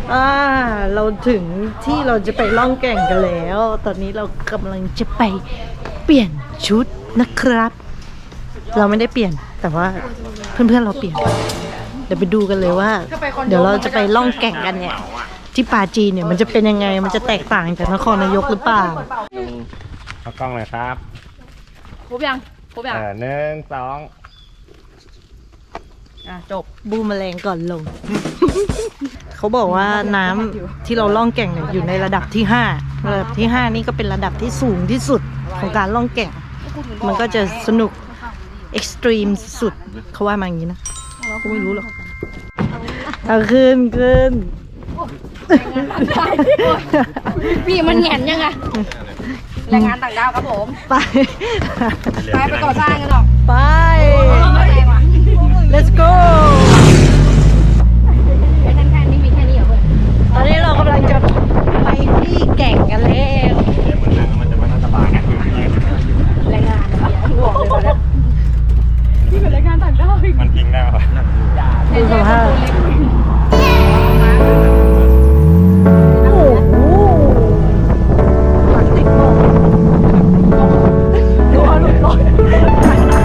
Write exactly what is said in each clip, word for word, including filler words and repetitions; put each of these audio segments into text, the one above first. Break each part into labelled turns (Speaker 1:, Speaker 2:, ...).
Speaker 1: อ่าเราถึงที่เราจะไปล่องแก่งกันแล้ว ตอนนี้เรากำลังจะไปเปลี่ยนชุดนะครับ เราไม่ได้เปลี่ยนแต่ว่าเพื่อนๆเราเปลี่ยน เดี๋ยวไปดูกันเลยว่า เดี๋ยวเราจะไปล่องแก่งกันเนี่ยที่ปาจีนเนี่ยมันจะเป็นยังไงมันจะแตกต่างจากนครนายกหรือเปล่า
Speaker 2: เอากล้องเลยครับ
Speaker 3: ครบยังครบยัง
Speaker 2: เออหนึ่งสอง
Speaker 3: อ่ะจบ
Speaker 1: บูมแมลงก่อนลง เขาบอกว่าน้ำที่เราล่องแก่งเนี่ยอยู่ในระดับที่ห้าระดับที่ห้านี่ก็เป็นระดับที่สูงที่สุดของการล่องแก่ง มันก็จะสนุกเอ็กซ์ตรีมสุดเขาว่ามาอย่างนี้นะกูไม่รู้หรอกเอาขึ้นขึ้น
Speaker 3: พี่มันแหงนยังไงแรงงานต่างดาวครับผม
Speaker 1: ไป
Speaker 3: ไปไปก่อสร้างกันหรอก
Speaker 1: ไป
Speaker 3: ไม่แรงว่ะ
Speaker 1: let's go
Speaker 3: แค่นั้นแค่นี้มีแค่นี้เหรอเพื่อน
Speaker 1: ตอนนี้เรากำลังจะไปที่แก่งกันแล้ว
Speaker 2: เดี๋ยวเหมือนนั่งมันจะไม่น่าสบายนะ
Speaker 3: แรงงานเนี่ยห่วงเลยตอนนี้พี่เป็นแรงงานต่างดาวอีก
Speaker 2: มันพิงได้ป่ะ
Speaker 1: ดูสภาพโอ้โหพลาสติกโลกดูเอาหลุดลอย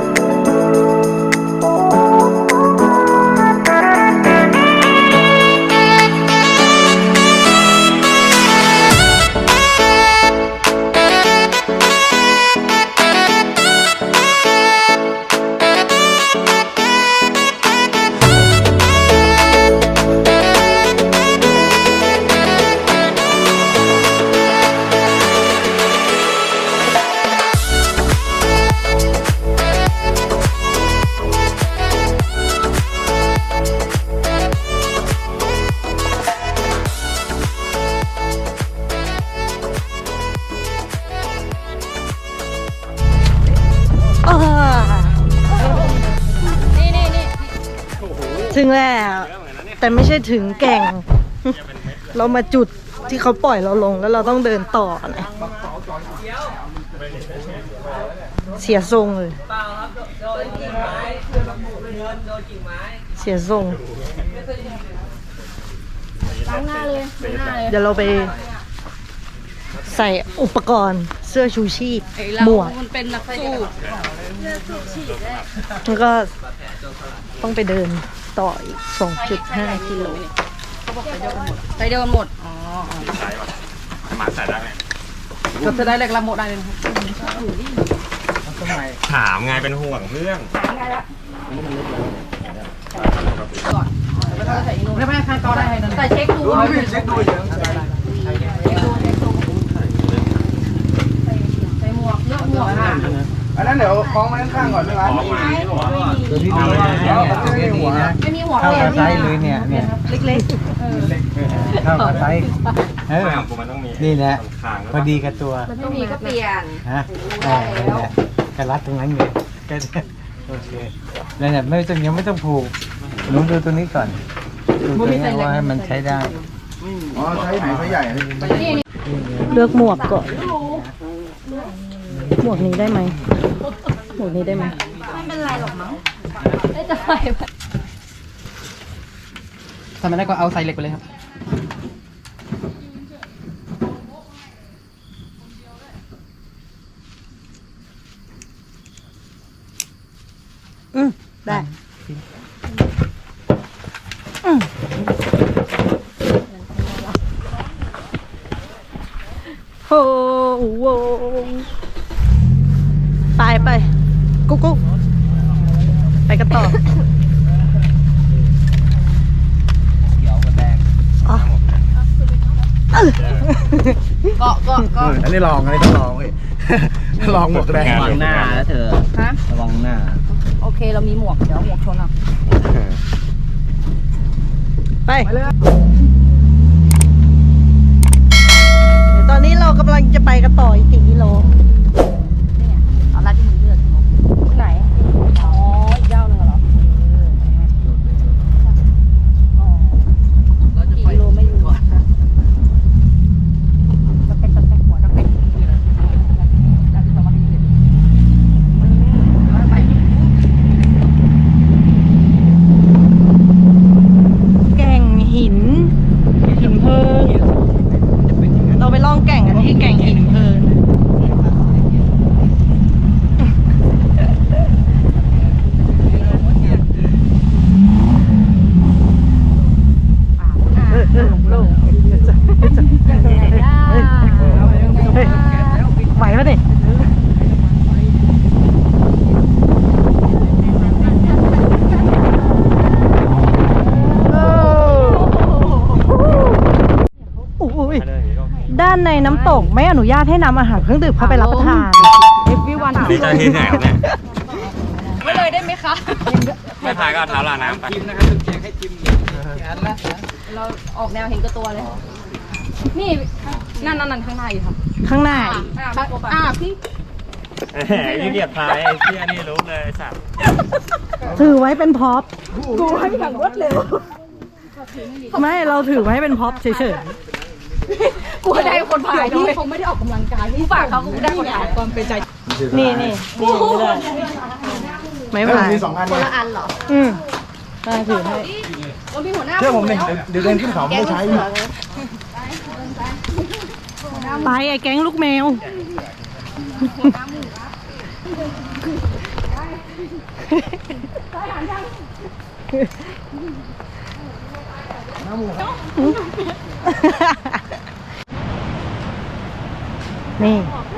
Speaker 3: นี่นี่นี่
Speaker 1: ถึงแล้ว แต่ไม่ใช่ถึงแก่ง เรามาจุดที่เขาปล่อยเราลงแล้วเราต้องเดินต่อนะเสียทรงเลยเสียทรง
Speaker 3: ล้างหน้าเลยล้างหน้าเลย
Speaker 1: เดี๋ยวเราไปใส่อุปกรณ์เสื้อชูชีพหมวก
Speaker 3: มันเป็นนักสู้
Speaker 1: แล้วก็ต้องไปเดินต่ออีก สองจุดห้า กิโล
Speaker 3: เขาบอกไปเดินหมดอ๋อ
Speaker 2: ใช่ป่ะหมาใส่ได้ไหม
Speaker 3: ก็จะได้แรงละหมดได้เลย
Speaker 2: ถามไงเป็นห่วงเพื่อน
Speaker 3: ไม่ไม่ใครต่อได้ใครนั่นใส่เช็คดูเช็คดูใส่หมวกเยอะหมวกค่ะ
Speaker 4: อันนั้นเดี๋ยวคล้องมาข้างๆก่อนไม่ร้าน
Speaker 2: ของมา
Speaker 4: เดี๋ยวพี่ดูนะไม่มีหัวนะ
Speaker 3: ไม่มีหัว
Speaker 4: เข้า
Speaker 3: เล
Speaker 4: กับไซ
Speaker 3: ย
Speaker 4: ส์เลยเนี่ยเนี่ย
Speaker 1: เล็ก
Speaker 4: เข้ากับไซส์เออ
Speaker 2: ไม่ของกูมันต้องมี
Speaker 4: นี่แหละ
Speaker 2: คาง
Speaker 4: พอดีกับตัว
Speaker 3: มันต้องมีก็เปลี่ยน
Speaker 4: ฮะเออนี่แหละกระรัดตรงนั้นเลยก็โอเคแล้วเนี่ยไม่ต้องยังไม่ต้องผูกหนูดูตัวนี้ก่อนดูตัวนี้ว่าให้มันใช้ได้อ๋อใช้ไหนใช้ใหญ่
Speaker 1: ๆ เลือกหมวกก่อน หมวกนี้ได้ไหม หมวกนี้ได้ไหม
Speaker 3: ไม่เป็นไรหรอกมั้งได้จะไป
Speaker 5: ทำไม่ได้ก็เอาใส่เหล็กไปเลยครับ
Speaker 1: อืมได้อืมโอ้โหไปไปกุ๊กกุ๊กไปกันต่อ อ๋อเออ
Speaker 3: เกาะเกาะเกาะ
Speaker 4: อันนี้ลองอันนี้ต้องลองเว้ยลองหมวกแดง
Speaker 2: ระวังหน้าแล้วเธอ
Speaker 3: ฮะ
Speaker 4: ระวังหน้า
Speaker 3: โอเคเรามีหมวกเดี๋ยวหมวกชนอ่ะ
Speaker 1: ไปเดี๋ยวตอนนี้เรากำลังจะไปกันต่ออีกกี่กิโล
Speaker 3: นี่ไงเอาละที่มึงเลือกไหนอ๋ออีกยาวหนึ่งเหรอกี่กิโลไม่รู้อะจะเป็นจะเป็นหัวจะเป็นไป
Speaker 1: แก่งหิน หินด้านในน้ำตกไม่อนุญาตให้นำอาหารเครื่องดื่มเข้าไปรับประทาน
Speaker 3: เอฟวีวัน
Speaker 2: นี่เจ้าที่ไหนครับเนี่ย
Speaker 3: ไม่เลยได้ไหมคะ
Speaker 2: ไม่พายก็เอาเท้าลาน้ำไป
Speaker 5: จิ้มนะครับแจกให้จิ้มอันละ
Speaker 3: เราออกแนวเห็นกับตัวเลย นี่นั่นนั่นนั่นข้างหน้าอยู่ค่ะ
Speaker 1: ข้างหน้า
Speaker 3: อ่าพี่
Speaker 2: แหมยี่เกียจพายไอ้เชี่ยนี่รู้เลยไอ้สัตว์
Speaker 1: ถือไว้เป็นพ็อป
Speaker 3: กูให้อย่างรวดเร็ว
Speaker 1: ไม่เราถือไว้เป็นพ็อปเฉย
Speaker 3: กูได้คนพายด้วยเขาไม่ได้ออกกำลังกายกูฝากเขากูได้คนพายความเป็นใจ
Speaker 1: ๆนี่นี่นี่ไม่ได้ไม่ผ่าน
Speaker 6: มีสองอัน
Speaker 3: คน
Speaker 6: เนี่ย
Speaker 3: ละอันเหรอ
Speaker 1: อืมมาถือให้
Speaker 3: เรามีหัวหน้า
Speaker 6: เชื่อผมเนี่ยเดี๋ยวเดินขึ้นเขาไม่ใช้
Speaker 1: ไปไอ้แก๊งลูกแมว นี่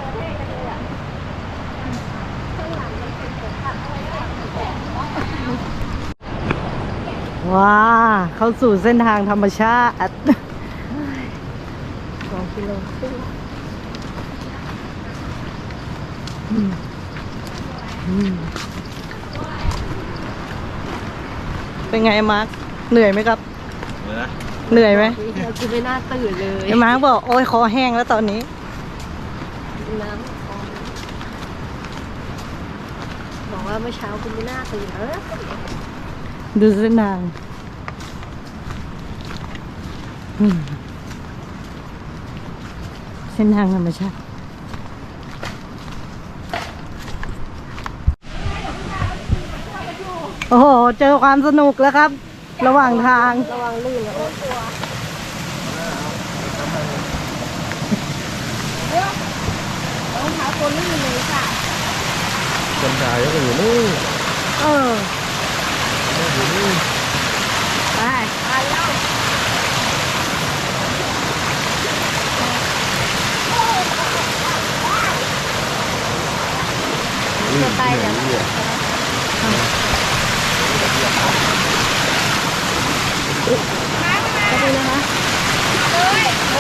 Speaker 1: ว้า เข้าสู่เส้นทางธรรมชาติสองกิโลอืมอืมเป็นไงมาร์คเหนื่อยไหมครับ เหนื่อยไหม
Speaker 3: กูไม่น่าตื่นเลย
Speaker 1: ไอ้มาร์คบอก โอ้ยคอแห้งแล้วตอนนี้
Speaker 3: น้ำบอกว่าเมื่อเช้ากูไม่น่าตื่นเออ
Speaker 1: ดูเส้นทางอืมเส้นทางธรรมชาติ โอ้โห เจอความสนุกแล้วครับ ระหว่างทาง
Speaker 3: ระวังลื่นนะโอ้กลัวรองเท้าตัวลื่นเลยค่ะ
Speaker 6: คนถ่ายก็อยู่นี่
Speaker 1: เออ ไป
Speaker 3: ไปแล้วจะไปเดี๋ยวนะจะไปเลยนะเลย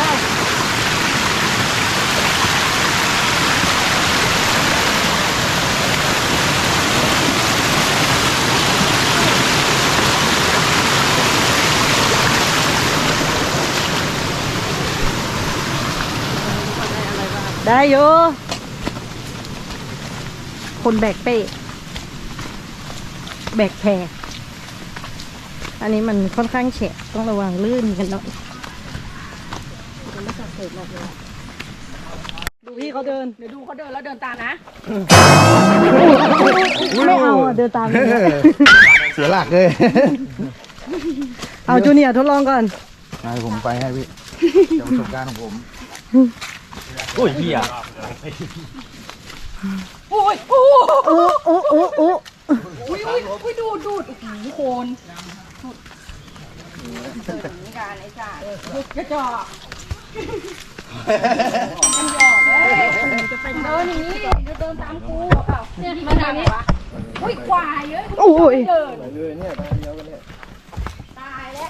Speaker 1: ได้อยู่ คนแบกเป้ แบกแพรอันนี้มันค่อนข้างแฉะต้องระวังลื่นกันหน่อยดูพี่เขาเดิน
Speaker 3: เดี๋ยวดูเขาเดินแล้วเดินตามนะ
Speaker 1: ไม่เอาอ่ะ เดินตามเลย
Speaker 6: เสียหลักเลย
Speaker 1: เอาจูเนียร์ทดลองก่อน
Speaker 6: ให้ผมไปให้พี่จากประสบการณ์ของผม
Speaker 2: โอ้ยเหี้ย
Speaker 3: โอ้ยโอ้
Speaker 1: โอ้โอ้โอ้โอ้
Speaker 3: อุ้ยอุ้ยอุ้ยดูดดูดโอ้โหโคนเสิร์ฟนี่การไอ้จ่าลูกกระจอกมันหยอกเลยจะเป็นเดินอย่างนี้จะเดินตามกูเปล่าเนี่ยมาทางนี้อุ้ยควายเยอะ
Speaker 1: โอ้ย
Speaker 3: เดิน
Speaker 6: เลยเนี่ยไปเดียวกันเนี่ย
Speaker 3: ตายแล้ว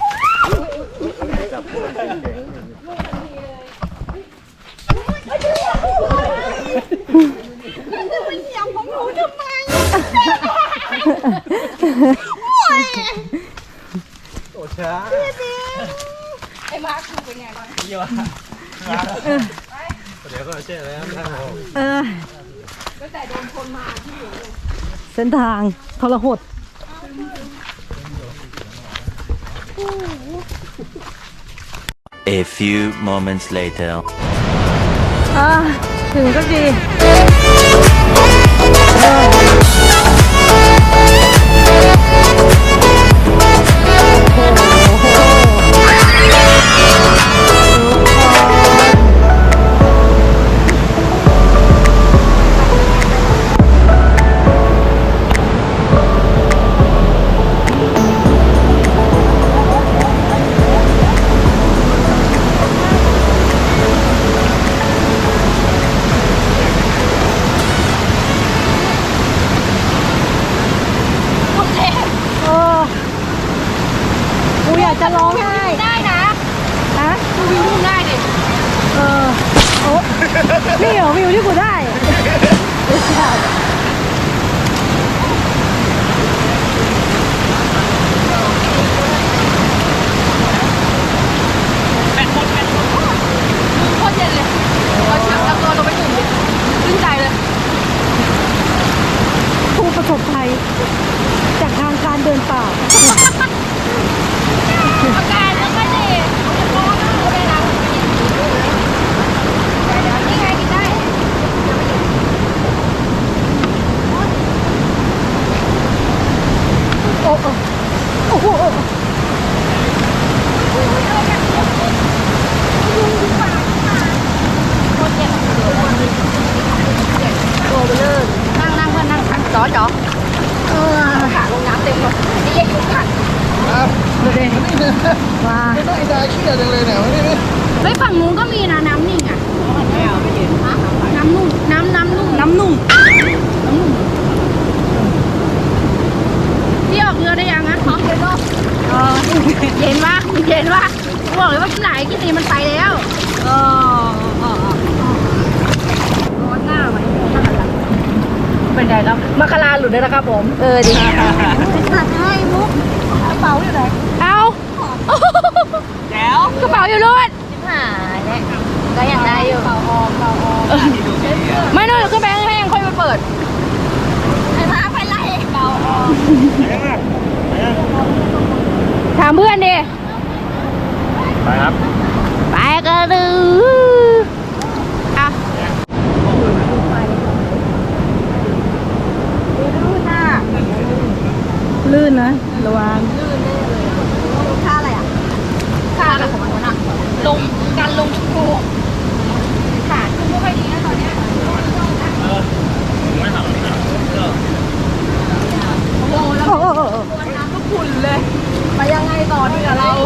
Speaker 6: โอ้ช้า
Speaker 3: ไอ้มาร์คเป็นไงบ้าง
Speaker 6: เดี๋ยวก็เจ๊แล้วนะ
Speaker 1: เออ
Speaker 3: ตั้งแต่โดนคนมาที่อยู่
Speaker 1: เส้นทางทรหด
Speaker 7: A few moments later.
Speaker 1: อ่าถึงสักทีโอ้กูอยากจะร้องไห้
Speaker 3: ได้นะ
Speaker 1: ฮะ
Speaker 3: กูวิ่งได้ดิ
Speaker 1: เออโอ้นี่เหรอวิวที่กูได้
Speaker 3: โคตรเย็นเลยพอชักแล้วตัวลงไปถึงขึ้นใจเลย
Speaker 1: ผู้ประสบภัยจากทางการเดินป่า
Speaker 3: อาการแล้วก็ดีร้อนมากเลยนะนี่ไงกินได้โอ้โหโอ้โหตัวเบลอนั่งนั่งเพื่อนนั่งนั่งจอจอเออขาลงน้ำเต็มเลยนี่ยังอยู่กัน
Speaker 1: ดูดิว้า
Speaker 6: ไม่ต้องไอ้ดาขี้จังเลยเนี่ยวันนี้
Speaker 3: เฮ้ยฝั่งนู้นก็มีนะน้ำนิ่งอ่ะน้ำนุ่มน้ำน้ำนุ่มน้ำนุ่มน้ำนุ่มพี่ออกเรือได้ยังนะพร้อมเย็นป่ะเออเย็นวะเย็นวะบอกเลยว่าที่ไหนที่นี่มันไปแล้วเออเออร้อนหน้าไหมเป็นไงครับมะคาราหลุดเลยนะครับผมเออดีตัดให้มุกกระเป๋าอยู่ไหนเอาแล้วกระเป๋าอยู่รุ่นหายแล้วก็ยังได้อยู่เป่าออกเป่าออกไม่นู่นขึ้นไปข้างล่างค่อยมาเปิดไอ้มาไปไล่เป่าออกถามเพื่อนดิ
Speaker 2: ไปครับ
Speaker 3: ไปกันดูอ่ะลื่นนะระวังค่าอะไรอ่ะค่าอะไรของมันอ่ะลงการลงชุกโกขาชุกไม่ค่อยดีนะตอนเนี้ยโอ้โหแล้วน้ำก็ขุ่นเลยไปยังไงต่อดีกับเรา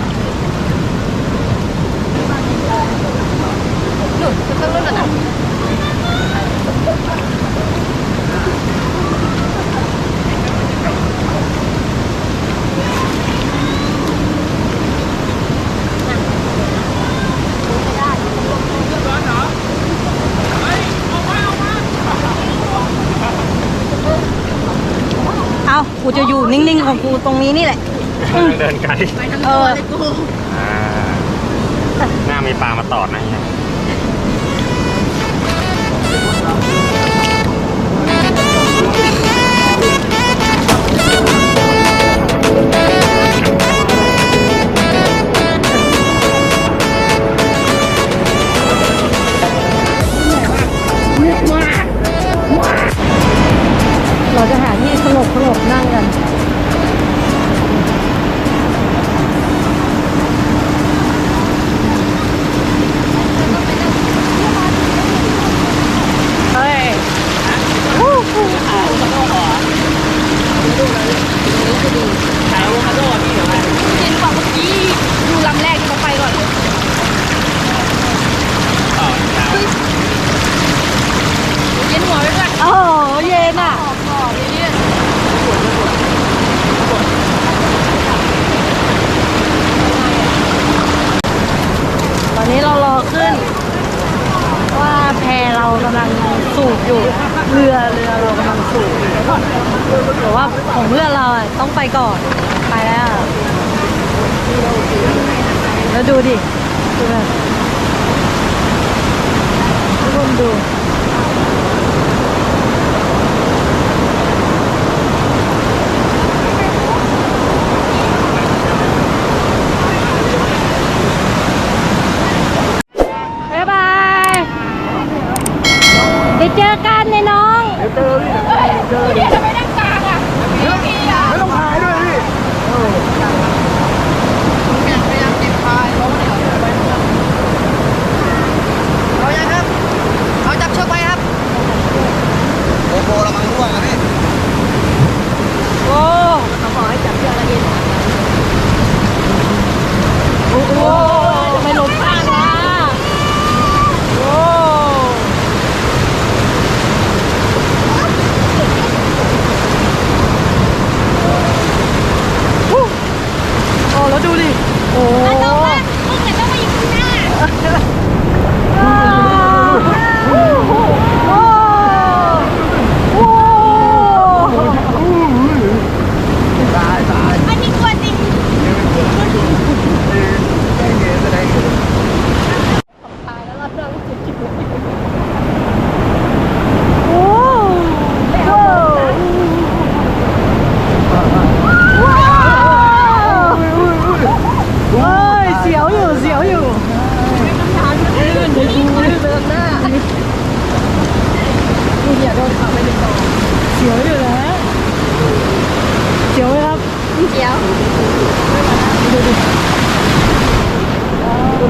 Speaker 3: หนุนจะต้องเลื่อนนะ
Speaker 1: เอากูจะอยู่นิ่งๆของกูตรงนี้นี่แหละ
Speaker 2: เดินไกล
Speaker 1: เออ
Speaker 2: อ่าหน้ามีปลามาตอดนะเฮีย
Speaker 1: เราจะหาที่สงบสงบนั่งกัน เฮ้ยวู้ฮู้
Speaker 3: กินฝั่งเมื่อกี้ดูลำแรกที่เขาไปก่อนเลยเย็นหัวไปก่อน
Speaker 1: โอ้โหเย็นอ่ะ
Speaker 3: ต่อเลยเนี่ย
Speaker 1: ตอนนี้เรารอขึ้น ว่าแพเรากำลังสูบอยู่ เรือเรือเรากำลังสูบอยู่แต่ว่าของเพื่อนเราอ่ะต้องไปก่อน ไปแล้ว แล้วดูดิดูแบบทุกคนดู บ๊ายบายไปเจอกันในน้อง
Speaker 6: เจอพี่
Speaker 3: เฮ้ยเดี๋ยวจะไปนั่งกลางอ่ะไม่มีอ่ะ
Speaker 6: ไม่ต้องพายด้วยพี่
Speaker 5: พยายามติดพายเพราะว่าเดี๋ยวไปเอายังครับ เอาจับเชือกไปครับโอ้โหระมังร่วงนะพี่
Speaker 1: โอ้
Speaker 3: เขาบอกให้จับเชือกแล้วเย็น
Speaker 1: โอ้โหไม่ล้มข้างนะโอ้ฮู้โอ้แล้วดูดิ โอ้
Speaker 3: ต้องว่ามึงเนี่ยต้องมาอยู่ข้างหน้า
Speaker 1: อ่า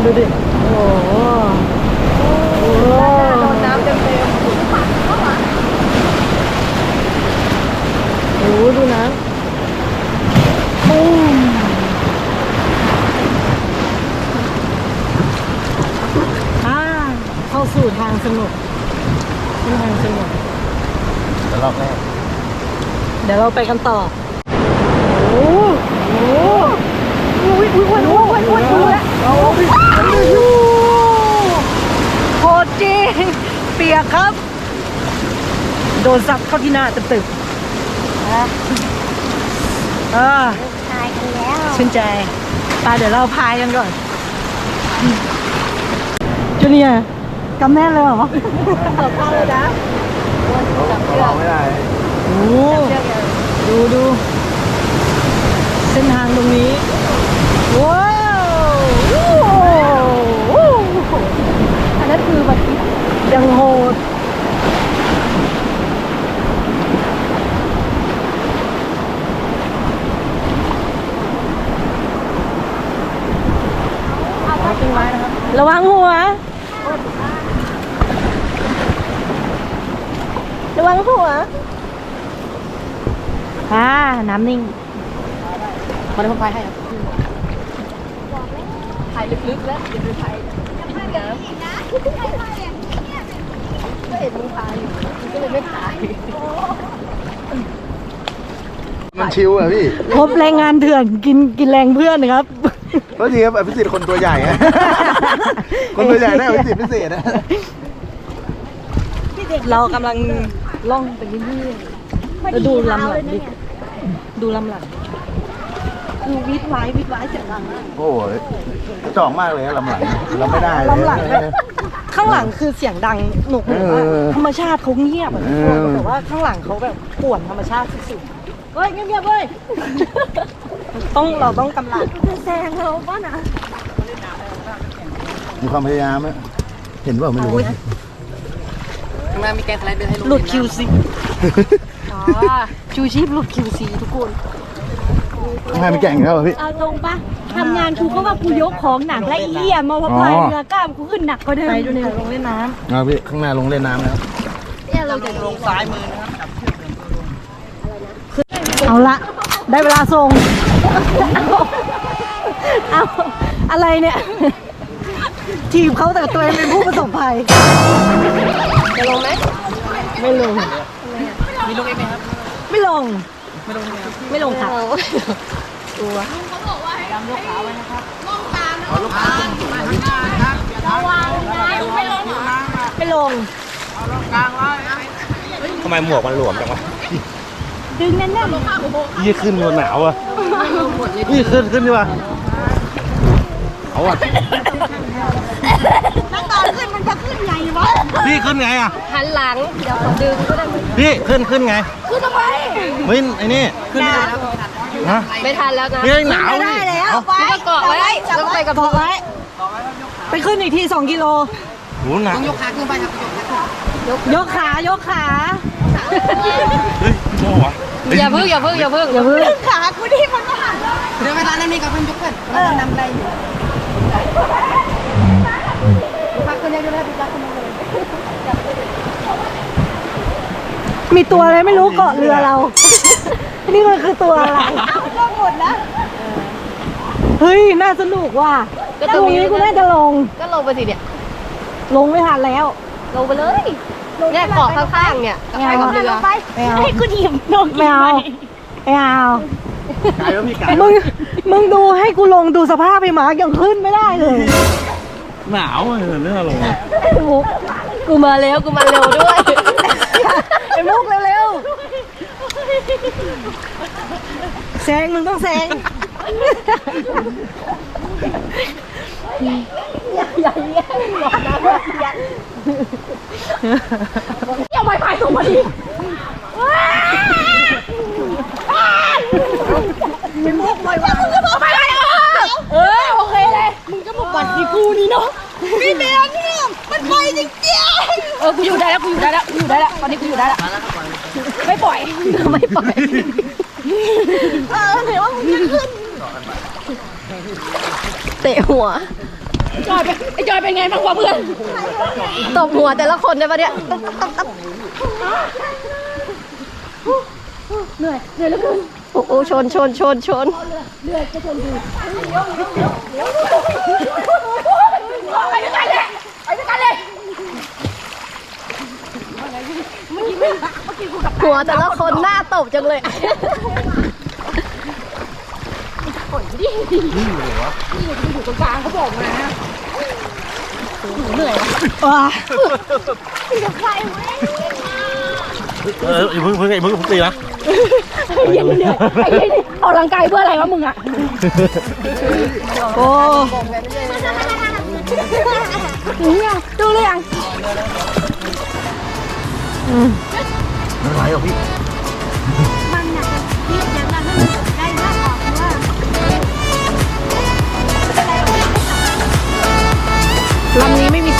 Speaker 1: ดูดิโอ้โหโอ้โห
Speaker 3: โดนน้ำเต็มเต็ม
Speaker 1: โอ้โหดูนะปุ้มอ่าเข้าสู่ทางสนุกเป็นทางสนุก
Speaker 4: แต่รอบแรก
Speaker 1: เดี๋ยวเราไปกันต่อ โอ้โหอุ้ยอุ้ยอุ้ยอุ้ยอุ้ยอุ้ยโคตรจริงเปียกครับ โดนซับเข้าที่หน้าตึบๆนะเออ
Speaker 3: ตายกันแล้ว
Speaker 1: ชื่นใจไปเดี๋ยวเราพายกันก่อนจูเนียร์กำแน่นเลยเหรอ
Speaker 3: ตกเข้าเลยนะ
Speaker 4: เราไม่ได้
Speaker 1: โอ้ดูดูเส้นทางตรงนี้ ว้าววู้
Speaker 3: อันนั้นคือแบบ
Speaker 1: ยังโหดระวังหัว ระวังหัวอ่าน้ำนิ่ง
Speaker 3: มันเป็นคนพายให้ครับพายลึกๆแล้วอย่าไปพายน้ำก็เห็นมึงพายอยู่มึงก็เลยไม่พาย
Speaker 6: มันชิวอ่ะพี่
Speaker 1: พบแรงงานเถื่อนกินกินแรงเพื่อนนะครับ
Speaker 6: เพราะจริงครับอภิสิทธิ์คนตัวใหญ่อะ คนตัวใหญ่ได้อภิสิทธิ์พิเศษนะ
Speaker 1: เรากำลังล่องไปเรื่อยๆแล้วดูลำหลังดิดูลำหลังคือวิดไว้วิดไว้เสียงดังมาก
Speaker 6: โอ้ยจ่องมากเลยอะลำหลังเราไม่ได้เลย
Speaker 1: ลำหลังแบบข้างหลังคือเสียงดังหนุกหนุกว่า
Speaker 6: เออ
Speaker 1: ธรรมชาติเขาเงียบอะ
Speaker 6: เออ
Speaker 1: แต่ว่าข้างหลังเขาแบบป่วนธรรมชาติสุดๆเฮ้ยเงียบๆเว้ย ต้องเราต้องกำลัง
Speaker 3: แซงเราป่ะนะ
Speaker 6: มีความพยายามไหมเห็นเปล่าไม่รู้
Speaker 3: ข้างหน้ามีแกนสไลเดอร์ให้ลง
Speaker 1: หลุด คิว ซี อ๋อชูชีพหลุด คิว ซี ทุกคน
Speaker 6: ข้างหน้ามีแก่งแล้วเหรอพี่
Speaker 3: เอาตรงปะทำงานกูก็ว่ากูยกของหนักและอีเหี้ยมาว่าพายเรือกล้ามกูขึ้นหนักกว่าเดิม
Speaker 1: ไปดูเนี่ยลงเล่นน้
Speaker 6: เอาพี่ข้างหน้าลงเล่นน้ำแล้ว
Speaker 3: เนี่ยเราจะลงซ้ายมือ
Speaker 1: ำเอาละ ได้เวลาส่ง เอาอะไรเนี่ย ทีมเขาแต่ตัวเองเป็นผู้ประสบภัย
Speaker 3: จะลงไหม
Speaker 1: ไม่ลง
Speaker 3: มีลงเองไหมครับ
Speaker 1: ไม่ลง ไม่ลงครับ ไม่ลง
Speaker 2: ทำไมหมวกมันหลวมจังวะ
Speaker 1: ดึงแน่น
Speaker 2: ยี่ขึ้นมันหนาวอ่ะยี่ขึ้นขึ้นดีกว่าเอาอ่ะ
Speaker 3: นั่งตอนขึ้นมันจะขึ้นไงวะ
Speaker 2: พี่ขึ้นไงอ่ะ
Speaker 3: หันหลัง เดี๋ยวผมดึงก็ได้
Speaker 2: พี่ขึ้นขึ้นไง
Speaker 3: ขึ้นทำไม
Speaker 2: เฮ้ยไอ้นี่ขึ้นไม่ได้ฮะ
Speaker 3: ไม่ทันแล้วนะ
Speaker 2: พี่หนาว
Speaker 1: ๆ ได้
Speaker 2: นี่
Speaker 1: แล้ว
Speaker 3: ไม่ต้องเกาะไว้ต้องไปกับ
Speaker 1: เกาะไว้ ไปขึ้นอีกทีสองกิโล
Speaker 2: โหหนาว
Speaker 3: ยกขาขึ้นไปครับ
Speaker 1: ยกขา ยกขา
Speaker 2: เฮ้ยโม่วะ
Speaker 3: อย่าพึ่งอย่าพึ่งอย่าพึ่ง
Speaker 1: อย่าเพิ่ง
Speaker 3: ขากูที่มันมาหันเดี๋ยวเวลานั้นนี่กับเพื่อนยกขึ้นเรานำอะไรอยู่พักคนเดียวได้พักคนเดียวเลย
Speaker 1: มีตัวอะไรไม่รู้เกาะเรือเรา นี่มันคือตัวอะไร
Speaker 3: ก็หมดนะ
Speaker 1: เฮ้ย น่าสนุกว่ะตรงนี้กูน่าจะลง
Speaker 3: ก็ลงไปสิเนี่ย
Speaker 1: ลงไม่ทันแล้ว
Speaker 3: ลงไปเลยเนี่ยเกาะข้างๆเนี่ยกับไปกับเรือ
Speaker 1: ไม่เอา
Speaker 3: ให้กูหยิบนม
Speaker 1: ไม่เอาไม่เอา
Speaker 2: ไกลแล้วพี่ไกล
Speaker 1: มึง มึงดูให้กูลงดูสภาพไปหมายังขึ้นไม่ได้เลย
Speaker 2: หนาวอ่ะเรื่องลงอ่ะ
Speaker 1: มุก
Speaker 3: กูมาเร็วกูมาเร็วด้วย
Speaker 1: ไอ้มุกเร็วๆแซงมึงต้องแซง
Speaker 3: อย่าไปพายส่งมาดิมีมุกไว้ว่ามึงจะบอกไปไหนอ่ะเออโอเคเลยมึงก็มาปั่นที่กูนี่เนาะพี่แมนเนี่ยมันไปจริงๆเออกูอยู่ได้แล้วกูอยู่ได้แล้วกูอยู่ได้แล้วตอนนี้กูอยู่ได้แล้วไม่ปล่อยไม่ปล่อยเออเห็นว่ามึงจะขึ้นเตะหัวจอยเป็นไอ้จอยเป็นไงบ้างวะเพื่อนตบหัวแต่ละคนได้ปะเนี่ยเหนื่อยเหนื่อยแล้วคุณโอ้โหชนชนชนชนเหนื่อยจะชนดูไปด้วยกันเลยไปด้วยกันเลยหัวแต่ละคนหน้าตบจังเลยนี่อยู่วะนี่อยู่ตรงกลางเขาบอกมาเหนื่อยว้าจะใครเว้ย
Speaker 2: เอออย่าเพิ่งเพิ่งอย่าเพิ่งเพิ่งตีนะ
Speaker 3: เย็นเหนื่อยไอ้เย็นออกกำลังกายเพื่ออะไรวะมึงอ่ะโอ้ดูยังดูเลยยัง
Speaker 2: ไม่ไหวหรอกพี่
Speaker 3: มันอยากจะเรียกอย่างนั้นให้มันได้มากออกว่าลำนี้ไม่มี